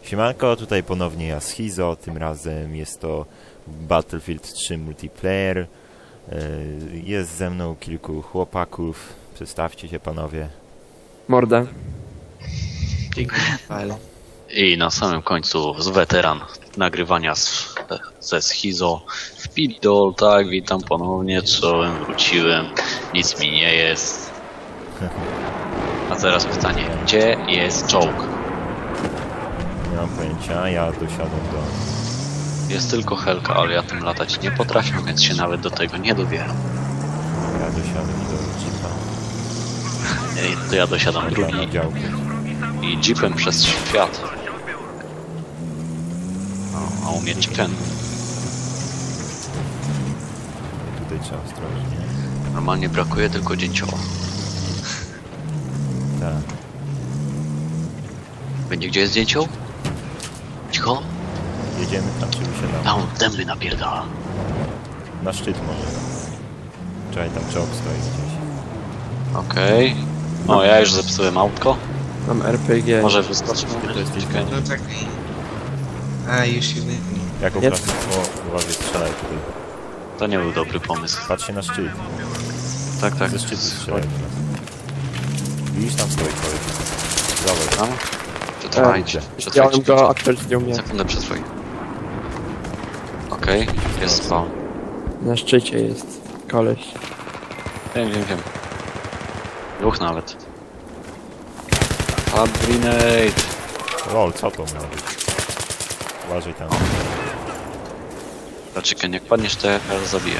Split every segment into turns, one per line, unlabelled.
Siemanko, tutaj ponownie ja Schizo, tym razem jest to Battlefield 3 Multiplayer. Jest ze mną kilku chłopaków, przedstawcie się panowie.
Morda.
I na samym końcu z weteran nagrywania ze Schizo w Pidol, tak, witam ponownie, czołem, wróciłem, nic mi nie jest. A teraz pytanie, gdzie jest czołg?
Nie mam pojęcia, ja dosiadam do...
Jest tylko Helka, ale ja tym latać nie potrafię, więc się nawet do tego nie dobieram.
Ja dosiadam do jeepa.
To ja dosiadam drugi
Na działku.
i jeepem przez świat. No, a umieć ten.
Tutaj trzeba ostrożnie.
Normalnie brakuje tylko dzięcioła.
Tak.
Będzie gdzie jest dzięcioł? Cicho?
Jedziemy tam, czy wysiadamy?
Tam dęby napierdala.
Na szczyt może. Czekaj, tam czołg stoi gdzieś.
Okej. O, ja już zepsułem autko.
Mam RPG.
Może wyskoczyć.
To jesteś
No czekaj. A, już się wybił.
Jaką
Jest.
klasę? O, uważaj, strzelaj tutaj.
To nie był dobry pomysł.
Patrz się na szczyt.
Tak, tak.
Ze szczytu strzelaj do nas. Widzisz, tam stoi koleś. Dawaj.
Tam? Przetrwajcie.
Chciałem
Przetrwajcie.
go, a ktoś zdjął mnie.
Sekundę przetrwaj. Okej, jest spawn.
Na szczycie jest koleś.
Wiem. Dwóch nawet. Fab grenade.
Lol, co to miało być? Uważaj tam.
Chicken, jak padniesz, to ja zabiję.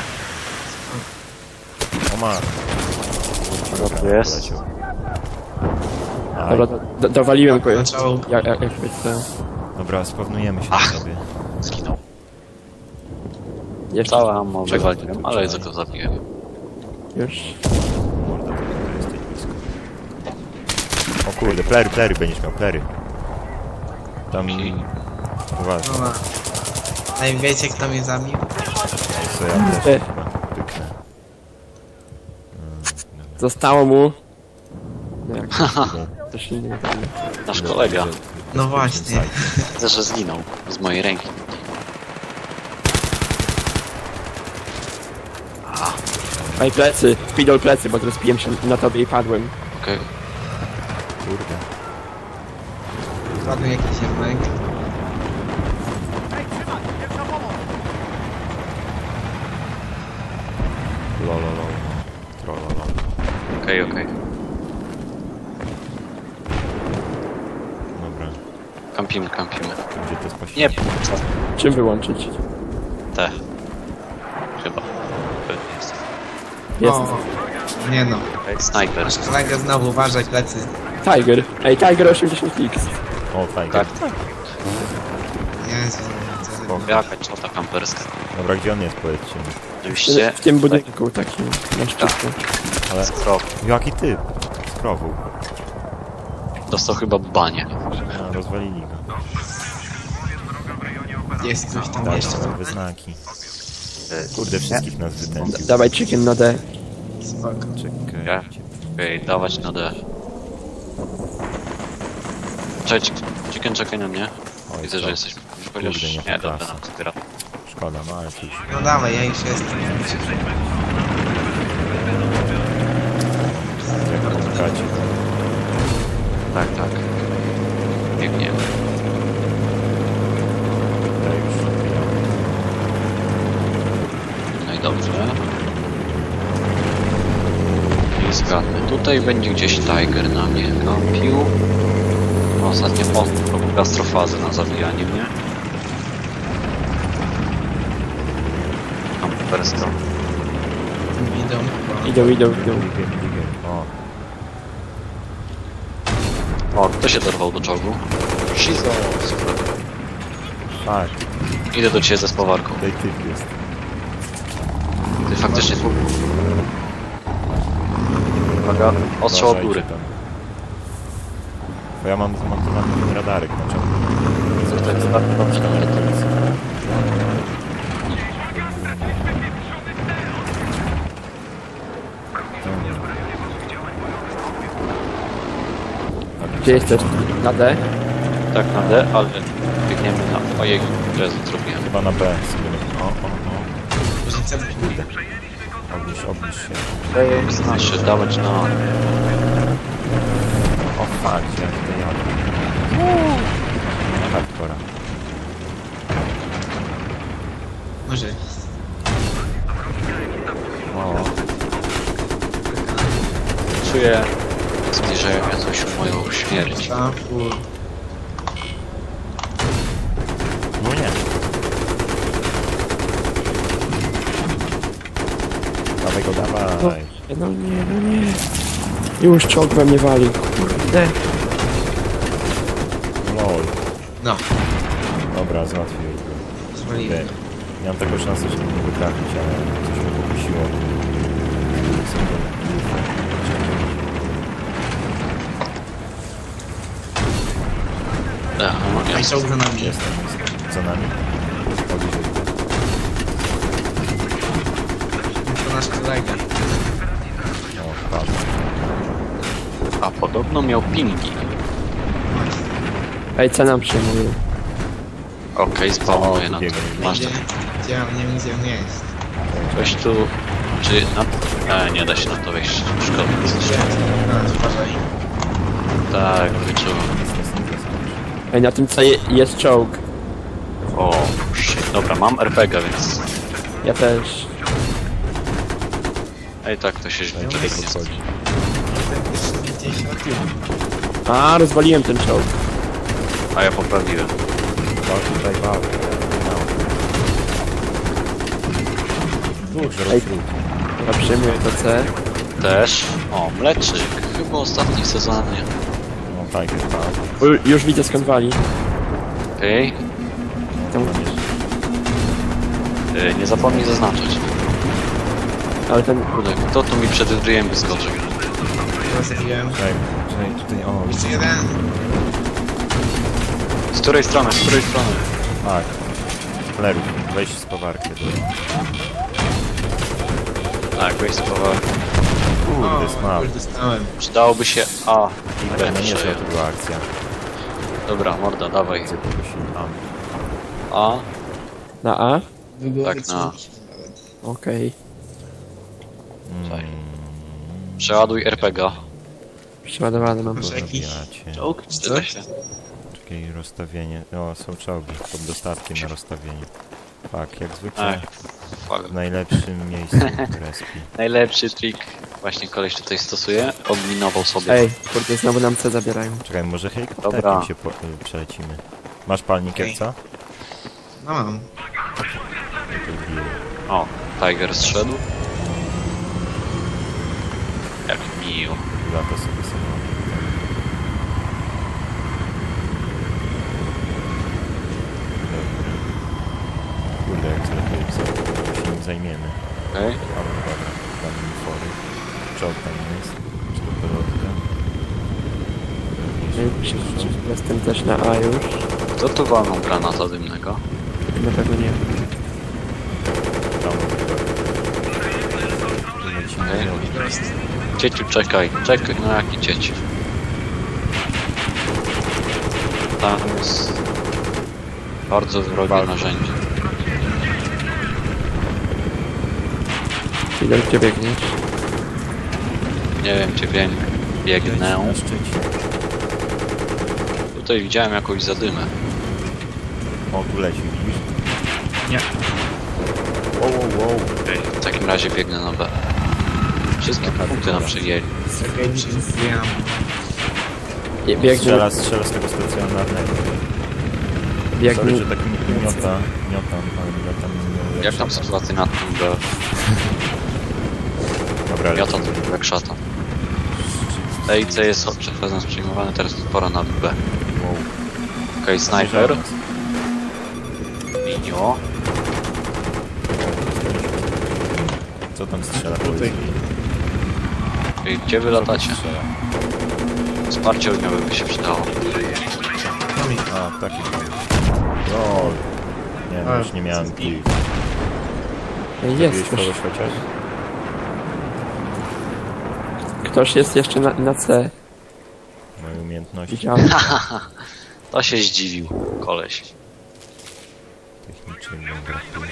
O ma.
Co tu jest?
Aj.
Dobra, dowaliłem go.
Zaczął.
Jak to...
Dobra, spawnujemy się
Ach.
na sobie.
Zginął.
Jeszcze
Całe ammo wywaliłem, ale za to zabiję.
już.
Morda, to jesteś blisko. O kurde, plery, będziesz miał plery. Tam... Uważaj,
No, a i wiecie kto mnie zabił?
co ja też
Ty.
chyba pyknę.
Zostało mu... No jak to się nie wydaje.
Nasz kolega.
No właśnie.
Widzę, że zginął z mojej ręki.
Ej, plecy! Spidol plecy, bo rozpiłem się na tobie i padłem.
Okej.
Kurde.
Padł jakiś jednak.
Lololol. Trollolol.
Okej.
Dobra.
Kampimy.
Gdzie to jest
Nie,
Czym wyłączyć?
te. Chyba. Pewnie jest.
Jest.
O, nie no.
Snajper.
Masz kolegę znowu, uważaj plecy.
Tiger. Ej, Tiger 80x.
O, fajnie.
Tak.
Jezu. co-
Jaka czota kamperska.
Dobra, gdzie on jest, powiedzcie mi.
Oczywiście.
W tym budynku takim na szczytku.
Ale...
Skrop.
Jaki typ? Skrowu.
Dostał chyba banie.
A, rozwalili go.
Jest coś tam
Tak,
jeszcze.
są wyznaki. Kurde, wszystkich nas wytępił.
Dawaj chicken na D.
Spoko.
Czekaj.
Ja? Okej, dawać na D. Cześć, Chicken, czekaj na mnie.
Oj,
Widzę,
co?
że jesteś... Chociaż
Kurde, nie
nie, dobra,
klasa.
nam zbiera.
Szkoda, no ale cóż.
No dawaj, ja już jestem.
Jak pomagacie?
Tak. Biegniemy.
Tutaj już odbijamy.
No i dobrze. I zgadnę. Tutaj będzie gdzieś Tiger na mnie kampił. Ostatnio robił gastrofazę na zabijanie mnie. Kamperska.
Idą.
Idą.
Digiem. O,
O, kto się dorwał do czołgu? Shizo, super.
tak.
Idę do ciebie ze spowarką.
Tutaj typ jest.
Ty faktycznie tu. Uwaga, ostrzał od góry.
Uważajcie tam. Bo ja mam zamontowany ten radarek na ciągu.
Tutaj dobrze,
Gdzie jesteś? Na D?
Tak, na D, ale biegniemy na... Ojej, Jezu, zrobiłem.
Chyba na B sobie nie... O.
Różnica
Obniż się.
Znaczy, dawać na...
O fuck, jak to jadę. Hardcora.
Może.
O,
Czuję zbliżającą się moją śmierć.
A, full.
no nie. Dawaj go, dawaj.
No nie. Już czołg we mnie wali. Kurde.
Lol.
No,
Dobra, załatwiłem go.
zwaliłem.
Miałem taką szansę, że nie mogę trafić, ale coś mnie pokusiło.
A i czołg za nami.
Jestem za nami. Bliżej.
To nasz kolega.
O, padł.
A podobno miał pingi.
Ej, co nam przyjmuje?
Okej, spawnuje na to.
biegnie.
Masz
Gdzie?
to.
Gdzie on nie wiem, gdzie on jest.
Coś tu... Czy na... nie da się na to wejść. Szkoda.
Gdzie? A, uważaj.
Tak, wyczułem.
Ej, na tym co jest czołg.
O, shit. Dobra, mam RPG, więc...
Ja też.
Ej, tak, to się źle
Tutaj
biegnie.
podchodzi.
Ten pierwszy gdzieś na tył.
A, rozwaliłem ten czołg.
A ja poprawiłem.
Tutaj bał. Dwóch,
Ej.
żerów.
Ja przyjmuję to C.
Też. O, mleczyk. Chyba ostatni w sezonie.
No tak, jest bał.
Już widzę skąd wali.
Okej.
Tam,
Nie zapomnij zaznaczyć.
ale ten...
Kurde, kto tu mi przed ryjem wyskoczył?
Ja zabiłem.
Czekaj, tutaj, o,
Jeszcze jeden.
Z której strony, z której strony?
tak. Flerów, weź z powarki.
Tak, weź spowalnie.
Kurde, smał.
Już dostałem.
Przydałoby się A i B.
No nie, że
przejąć.
to była akcja.
Dobra, morda, dawaj.
Gdzie pokusili?
A,
Na A?
Tak, na.
Okej.
przeładuj RPG.
Przeładowany mam.
Masz jakiś
Zabijacie.
czołg czy coś?
Czekaj, rozstawienie. O, są czołgi pod dostatkiem na rozstawienie. Tak, jak zwykle
Ach, fuck.
w najlepszym miejscu respi.
Najlepszy trik właśnie koleś tutaj stosuje. Odminował sobie.
Ej, kurde, znowu nam C zabierają.
Czekaj, może
Dobra.
helikopterem się przelecimy. Masz palnik
Okej.
jak co?
No mam.
O, Tiger zszedł. Jak miło.
Lata sobie sama. Kurde, jak lepiej się nim zajmiemy.
Okej.
Ale dobra, damy fory. Czołg tam jest. Czy to pelotka?
Jestem też na A już.
Kto tu walnął granata dymnego?
Na pewno nie.
Tam lecimy
Okej.
okay.
Cieciu, czekaj. Czekaj, no jaki cieci? Tam jest bardzo wrogie narzędzie.
Ile gdzie biegniesz?
Nie wiem, gdzie biegnę.
Na Szczecin.
Tutaj widziałem jakąś zadymę.
O, tu leci, widzisz?
Nie.
Wow.
W takim razie biegnę na B. Wszystkie punkty nam przyjęli.
Czekaj, mi się zbijam.
Biegnie,
Strzela z tego stacjonarnego. Sorry,
biegnie.
że tak miotam, ale
Jak tam sytuacja na tym B?
Dobra,
Ja to jak szatan. Ej, C jest przez nas przyjmowany, teraz pora na B.
Wow.
Okej, snajper. Minio.
Co tam strzela?
Tutaj.
Ej, gdzie wy latacie?
Strzela.
Wsparcie ogniowe by się przydało.
No mi.
A, taki lol. Nie, no już nie miałem kili.
Ej,
Wiesz
jest
kogoś
ktoś.
chociaż?
Ktoś jest jeszcze na C.
Moje umiejętności.
Widziałem.
To się zdziwił, koleś.
Technicznego brakuje.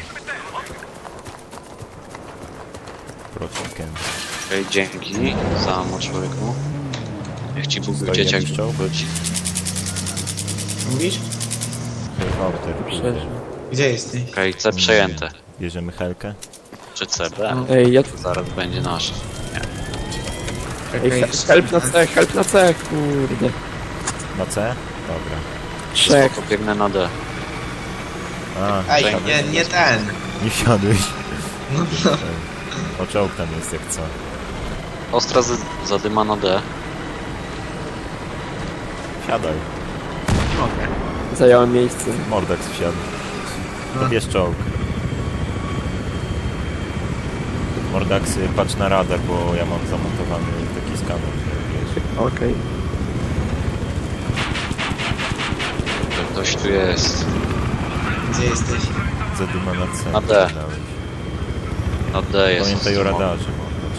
Procikiem.
Okej, dzięki za mo człowieku. Niech ci Bóg
Stoi
dzieciak
jakiś czołg?
wróci.
Mówisz?
Helikopter.
Przeżył.
Gdzie jesteś?
Okej, C przejęte.
Bierzemy helkę?
Czy C, B?
Ej, ja...
To zaraz będzie nasze.
Ej,
Czekaj,
help na C, help na C, kurde.
Na C? Dobra.
Trzech.
Spoko, biegnę na D.
A,
Ej,
wsiadłeś.
nie ten.
Nie wsiadłeś.
No, no.
O, czołg tam jest jak co.
Ostra zadyma na D.
Wsiadaj.
Mogę.
Zająłem miejsce.
Mordax wsiadł. To
No.
bierz czołg. Mordaxy, patrz na radar, bo ja mam zamontowany taki skaner. Wiesz.
Okej.
Ktoś tu jest.
Gdzie jesteś?
Zadyma na C.
Na D.
dałeś.
Na D jest.
Pamiętaj o radarze, Mordax.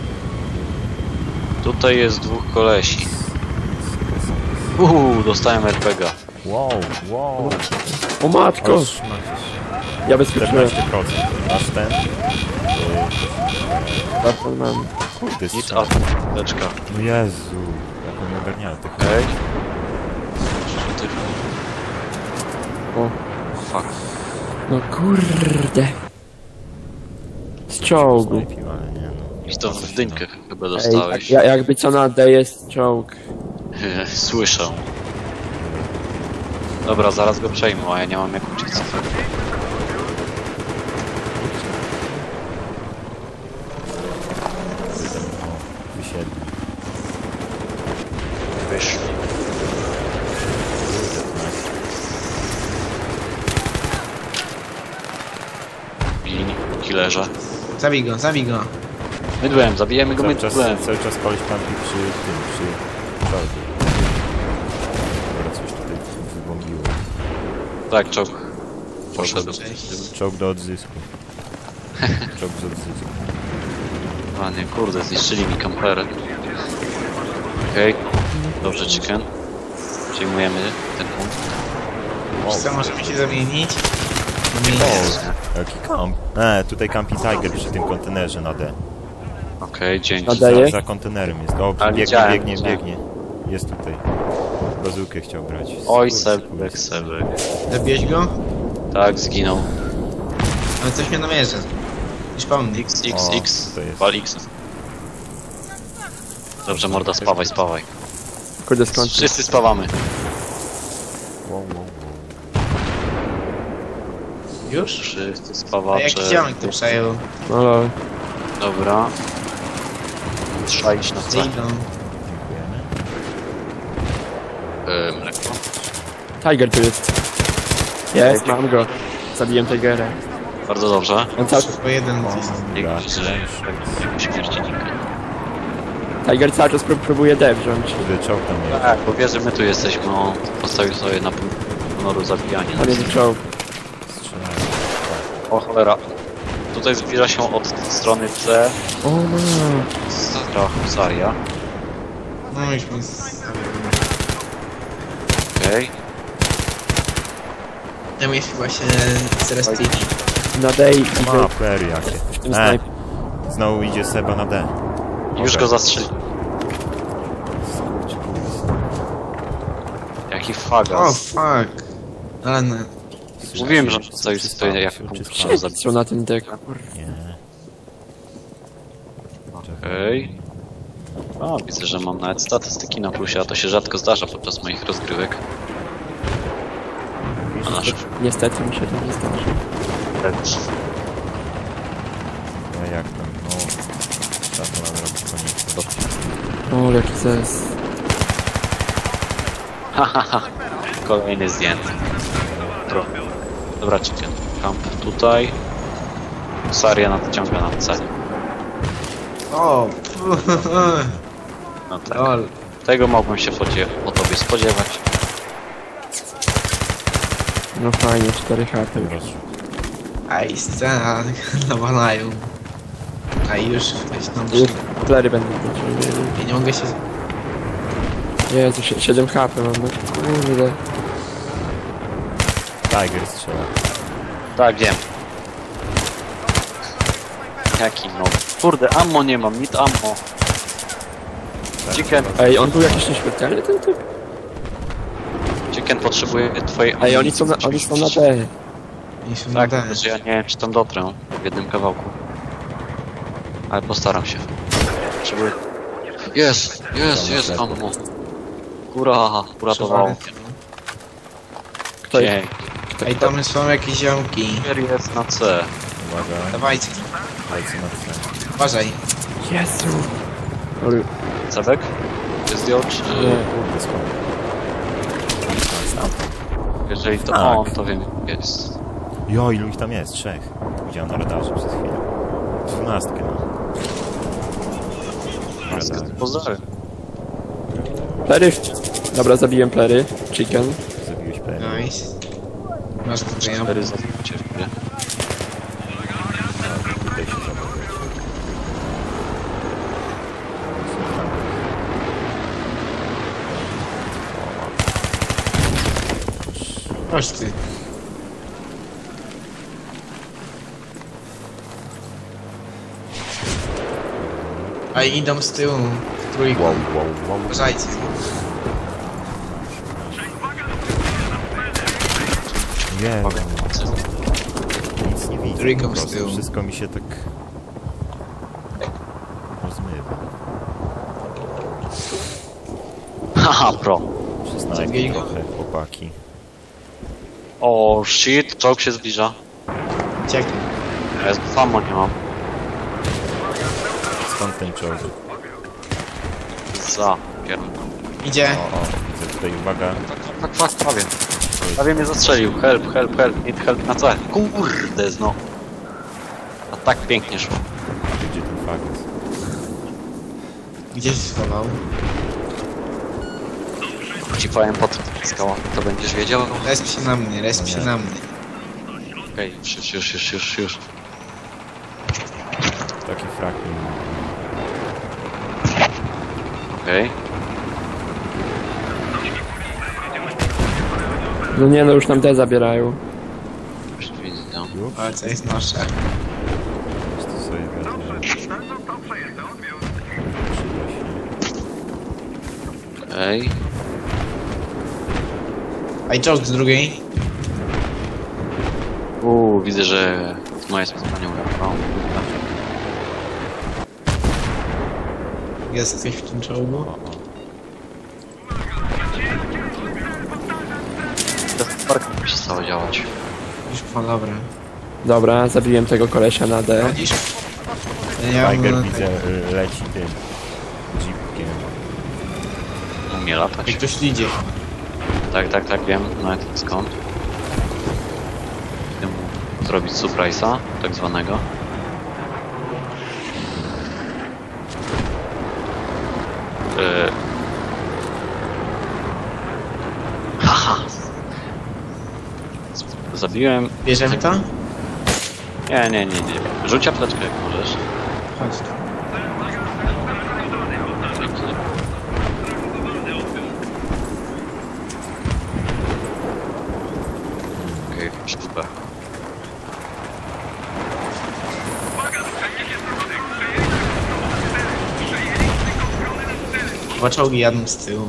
Tutaj jest dwóch kolesi. Dostałem RPG.
Wow, wow.
O matko!
Oż,
Ja bezpieczyłem.
14%. Masz ten?
Bardzo mam.
Kurde,
Nic
strzał.
apteczka.
No Jezu, jak on ogarniał tych.
Okej. Ty...
O.
Fuck.
No kurde. Z czołgu.
Snajpił, ale nie no.
I to w dynkę chyba
Ej,
dostałeś.
jakby co na D jest czołg.
Słyszę. Dobra, zaraz go przejmę, a ja nie mam jak uciec.
O, wysiedli.
Wyszli. Gin, killerze.
Zabij go, zabij go.
Mydłem, zabijemy go
Cały czas
mydłem.
koleś kampi przy tym, przy czołgu. Dobra, coś tutaj wybombiło.
Tak, czołg. Poszedł.
Czołg do odzysku. Czołg z odzysku.
A nie, kurde, zniszczyli mi kamperę. Okej. Dobrze, chicken. Przejmujemy ten punkt.
Wiesz co, możemy się zamienić?
Jaki kamp? Tutaj kampi Tiger przy tym kontenerze na D.
Okej, dzięki.
Nadaje?
Za kontenerem jest. O,
A,
biegnie,
widziałem,
biegnie,
widziałem.
biegnie. Jest tutaj. Bazukę chciał brać.
Oj,
Kurde,
sebek.
Zabiłeś go?
Tak, zginął.
Ale coś mnie namierza. Już pomnij.
X,
to jest.
wal X. Dobrze, morda, spawaj, spawaj.
Kurde skąd?
Wszyscy spawamy.
Wow, wow, wow.
Już?
Wszyscy
A
spawacze.
jaki ziomek to przejął?
No lol.
Dobra. Trzeba iść na C.
Gdzie idą?
Dziękujemy.
Mleko.
Tiger tu jest. Jest, mam go. Zabiłem Tigera.
Bardzo dobrze.
On cały...
Tylko jeden jest.
Dobra.
Śmiercinika.
Tiger cały czas próbuje D wziąć.
Kurde, czołg tam jest.
Tak, bo wie, że my tu jesteśmy, on postawił sobie na punkt honoru zabijanie.
Tam jest czołg.
Strzelają.
O cholera. Tutaj zbliża się od strony C
O no.
Stra Husaria.
No już mi...
Okej.
Tam jest chyba się zrestili.
Na D i
Ma fery jakie.
w tym snajpie.
Znowu idzie Seba na D.
Już go zastrzeli.
Skurcz, kurde.
Jaki
O,
fagas.
fuck. Ale no.
Mówiłem, że postawił sobie jak punkt honoru
Co
zabijanie.
na tym deku?
Nie.
Okej. A, widzę, że mam nawet statystyki na plusie, a to się rzadko zdarza podczas moich rozgrywek. A nasz
Niestety mi się to nie zdarzy.
A jak tam? No. Trzeba to nadrobić koniecznie.
O, jaki zes.
Hahaha. Kolejny zdjęty. Dobra, chicken. Camp tutaj. Husaria nadciąga na C.
O,
No tak.
lol.
Tego mogłem się po tobie spodziewać.
No fajnie, 4 harty już.
Aj, scena nawalają. A już ktoś tam
Już
przyjdzie.
plery będą wróciły.
Ja nie mogę się...
Jezu, 7 HP mam, no kurde.
Tiger strzela.
Tak, wiem. Jaki no. Kurde, ammo nie mam, nic ammo. Chicken,
Ej, on był jakiś nieśmiertelny ten typ?
Chicken potrzebuje twojej
Ej, oni są na D.
Nie są na
Tak,
D.
że ja nie wiem czy tam dotrę w jednym kawałku. Ale postaram się. Potrzebuję... Jest ammo. Góra, uratowało.
Kto jest?
Dzień.
Ej, tam są jakieś ziomki.
Jest na C.
Uwaga,
Dawajcie,
lecę na C.
uważaj.
Jezu. Ale...
Cebek? Ty zdjął czy...
Nie.
Kurde, skąd?
Jeżeli to
Tak.
on, to wiem jest.
Jo, ilu ich tam jest? 3. Widziałem na radarze przez chwilę. 12 no.
Pozdrawiam.
Plery. Dobra, zabiłem plery. Chicken.
Zabiłeś pewnie.
Nice. Masz tutaj ammo.
4 zabicie, nie?
Tutaj się zabawiać.
Chodź ty. A idą z tyłu. W trójkę.
Wow.
Uważajcie.
Jezu. Nic nie widzę.
Trójką
po
z
prostu.
tyłu.
Wszystko mi się tak rozmywa.
Haha, pro.
Przestań
Zabij go.
trochę, chłopaki.
O shit, czołg się zbliża.
Uciekaj.
Ja samo nie mam.
Skąd ten czołg?
Za pierdolę.
Idzie.
O, widzę tutaj, uwaga.
Tak, prawie. Prawie mnie zastrzelił. Help, need help na C. Kurde, no. A tak pięknie szło.
Gdzie ten fakt jest?
Gdzie się schował?
Ci powiem pod skała, to będziesz wiedział.
Resp się na mnie, resp się na mnie.
Okej, już.
Taki frak mi...
Okej.
No nie, no już nam D zabierają.
Już widzę.
Już?
Ale co jest nasze?
To sobie wezmę. Przyda się.
Okej.
A i czołg z drugiej.
Widzę, że moje spotkanie uratowałem.
Jest coś w tym czołgu?
To park przestało działać.
Już po dobra.
Dobra, zabiłem tego kolesia na D.
Chodzisz? Ja
Tiger
mam...
widzę, leci tym jeepkiem.
Umie latać.
Jak ktoś idzie.
Tak, wiem. Nawet skąd. Idę mu zrobić surprise'a, tak zwanego. Haha! Zabiłem...
Bierzemy to?
Nie. Rzuć apteczkę jak możesz.
Chodź tu.
Okej, super.
Dwa czołgi jadą z tyłu.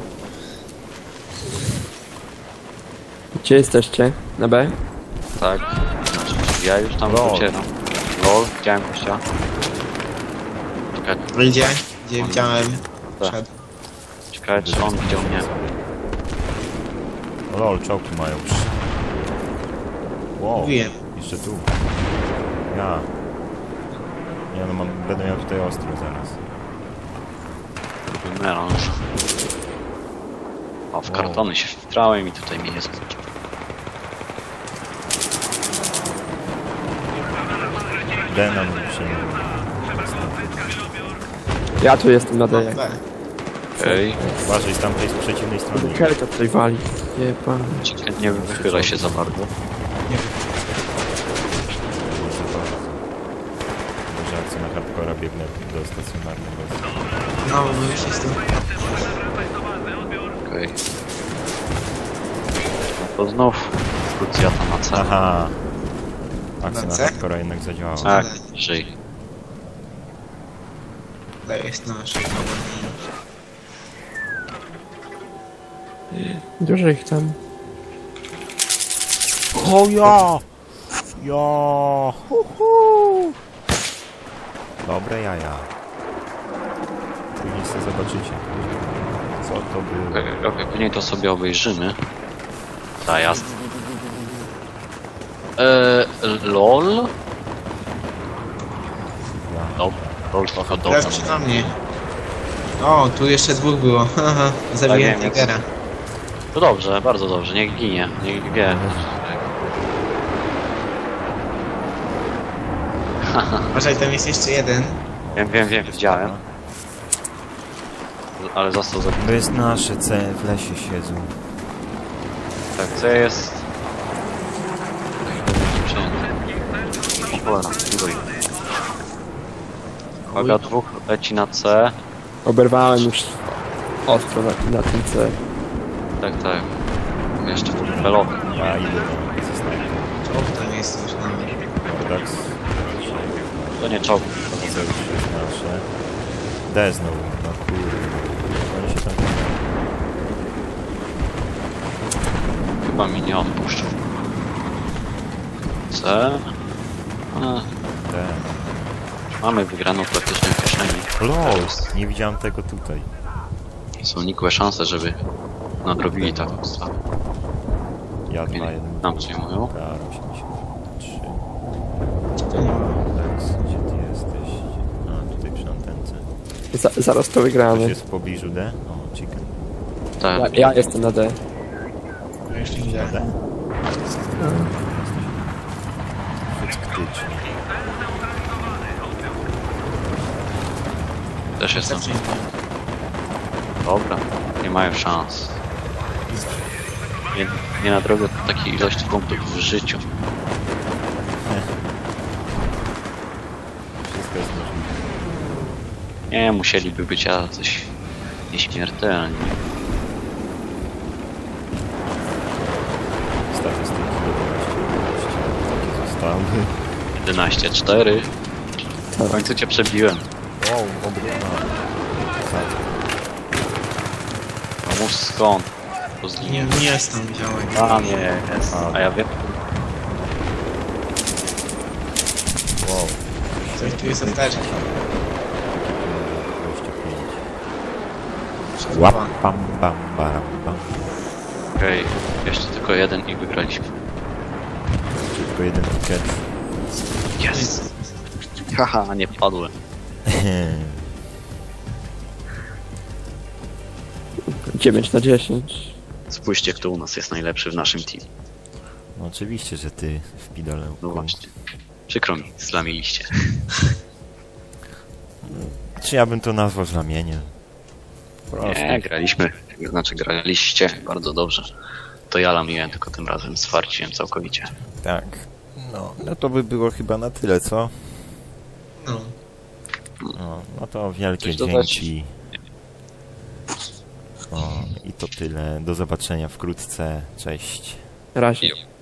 Gdzie jesteście? Na B?
Tak. Znaczy, ja już tam
Lol.
docieram. Lol, widziałem gościa. Czekaj,
Idzie? Gdzie widziałem?
Tak.
Szedł.
ciekawe czy on widział mnie.
O lol, czołgi mają. Wow,
Mówiłem.
jeszcze tu. Ja. Nie no, będę miał tutaj ostro zaraz.
Melanż. O, w kartony się wtrałem i tutaj mnie nie skończył.
D nam przyjmie.
Ja tu jestem na D.
B.
Okej.
Uważaj, z tamtej z przeciwnej strony.
Kelka tutaj wali. Jeba.
Chicken nie wychylaj się za bardzo.
Nie
Może akcja na hardcora biegnę do stacjonarnego.
No, bo już jestem.
Okej. No to znów krucjata na C.
Aha. Akcja na
C?
hardcora jednak zadziałała.
Tak, żyj.
To jest nasz.
Dużo ich tam.
O ja! Ja! Dobre jaja. Później sobie zobaczycie, co to było.
Okej, później to sobie obejrzymy. Ta jasne. LOL? No, LOL trochę
Teraz
dobrze.
przy na mnie. O, tu jeszcze dwóch było. Haha, zabiłem
wiem,
Tigera.
To dobrze, bardzo dobrze, niech ginie, niech wie.
Uważaj, tam jest jeszcze jeden.
Wiem, widziałem. Ale został zabity.
To jest nasze C, w lesie siedzą.
Tak, co jest? Przejęty. O cholera, iluj. Uwaga, dwóch leci na C.
Oberwałem już ostro na tym C.
Tak. Jeszcze pelowy.
Ja idę na snajper.
Czołg tam jest już na mnie.
Kodax.
To nie czołg.
To już jest nasze. D znowu, no kurde. Oni się tam...
Chyba mi nie odpuszczą. C. A,
D.
mamy wygraną praktycznie w kieszeni.
LOL! Nie widziałem tego tutaj.
Są nikłe szanse, żeby nadrobili taką stratę.
Ja 2, 1.
Nam przyjmują.
KR83.
To nie ma.
Kodax, gdzie ty jesteś? A, tutaj przy antence.
Zaraz to
Ktoś
wygramy.
jest w pobliżu D? O, chicken.
Tak.
Ja jestem na D.
Ja jeszcze nie widziałem.
D? Faktycznie.
Też jestem.
Zacznij.
Dobra, nie mają szans. Nie nadrobię takiej ilości punktów w życiu.
Wszystko jest możliwe.
Nie, musieliby być jacyś nieśmiertelni.
Statystyki 11, takie zostały.
11-4. W końcu cię przebiłem.
Wow, obrona.
Pomóż skąd? To zginie.
Nie jest tam widziałem.
A nie, jest. A ja wiem.
Wow.
Coś tu jest apteczka.
25. Łap, bam, bam, baram, bam.
Okej, jeszcze tylko jeden i wygraliśmy.
Tylko jeden ticket.
Yes! Haha, nie padłem.
9/10.
Spójrzcie, kto u nas jest najlepszy w naszym teamie.
No oczywiście, że ty w pidolełku.
No właśnie. Przykro mi, zlamiliście.
Czy ja bym to nazwał znamieniem? Proste.
Nie, graliśmy. Znaczy graliście bardzo dobrze. To ja lamiłem, tylko tym razem zwarciłem całkowicie.
Tak. No to by było chyba na tyle, co?
No.
No to wielkie
Coś dodać?
dzięki. I to tyle. Do zobaczenia wkrótce. Cześć.
Razie.